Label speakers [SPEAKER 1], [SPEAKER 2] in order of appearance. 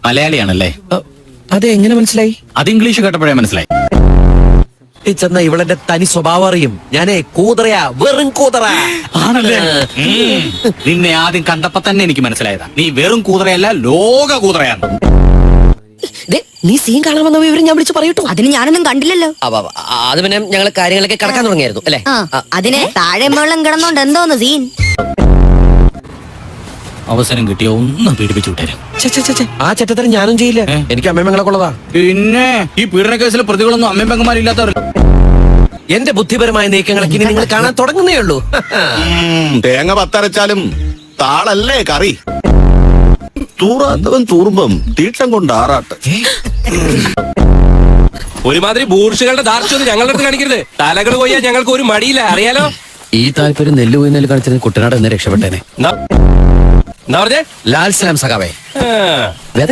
[SPEAKER 1] മലയാളിയാണല്ലേ?
[SPEAKER 2] അതെ, എങ്ങനെ മനസ്സിലായി?
[SPEAKER 1] അത് ഇംഗ്ലീഷ് കേട്ടപ്പോഴേ മനസ്സിലായി.
[SPEAKER 2] ചെന്ന ഇവളെന്റെ തനി സ്വഭാവം അറിയും. ഞാനേ കൂതറയാ, വെറും കൂതറ
[SPEAKER 1] ആണല്ലേ? നിന്നെ ആദ്യം കണ്ടപ്പോ തന്നെ എനിക്ക് മനസ്സിലായതാ, നീ വെറും കൂതറയല്ല, ലോക കൂതറയാണ്.
[SPEAKER 2] നീ സീൻ കാണാമെന്ന വിവരം ഞാൻ വിളിച്ചു പറയട്ടോ.
[SPEAKER 3] അതിന് ഞാനൊന്നും കണ്ടില്ലല്ലോ.
[SPEAKER 2] അത് പിന്നെ ഞങ്ങള് കാര്യങ്ങളൊക്കെ കിടക്കാൻ തുടങ്ങിയായിരുന്നു അല്ലേ?
[SPEAKER 3] അതിന് താഴെ വെള്ളം കിടന്നോണ്ട് എന്തോന്ന് സീൻ.
[SPEAKER 1] അവസരം കിട്ടിയ ഒന്ന് പീഡിപ്പിച്ചു വിട്ടേരും.
[SPEAKER 2] ആ ചെറ്റത്തരം ഞാനും ചെയ്യില്ല. എനിക്ക് അമ്മയമ്മങ്ങളെ കൊള്ളതാ.
[SPEAKER 1] പിന്നെ ഈ പീഡന കേസിൽ പ്രതികളൊന്നും അമ്മയും പെങ്ങന്മാരില്ലാത്തവരല്ല.
[SPEAKER 2] എന്റെ ബുദ്ധിപരമായ നീക്കങ്ങളൊക്കെ ഇനി നിങ്ങൾ കാണാൻ തുടങ്ങുന്നേ ഉള്ളൂ.
[SPEAKER 4] തേങ്ങ പത്തരച്ചാലും താളല്ലേ കറി. തൂറാത്തവൻ തൂറുമ്പം തീട്ടം കൊണ്ട് ആറാട്ട്.
[SPEAKER 5] ഒരുമാതിരി ബൂർഷുകളുടെ ദാർഷ്ട്യം ഞങ്ങളുടെ അടുത്ത് കാണിക്കരുത്. തലകൾ പോയാൽ ഞങ്ങൾക്ക് ഒരു മടിയില്ല, അറിയാലോ.
[SPEAKER 2] ഈ താല്പര്യം നെല്ല് പോയി നെല്ല് കളിച്ചത് കുട്ടനാട് എന്നെ രക്ഷപ്പെട്ടേനെ.
[SPEAKER 5] എന്നാ പറഞ്ഞേ?
[SPEAKER 2] ലാൽ സലാം സഖാവേ.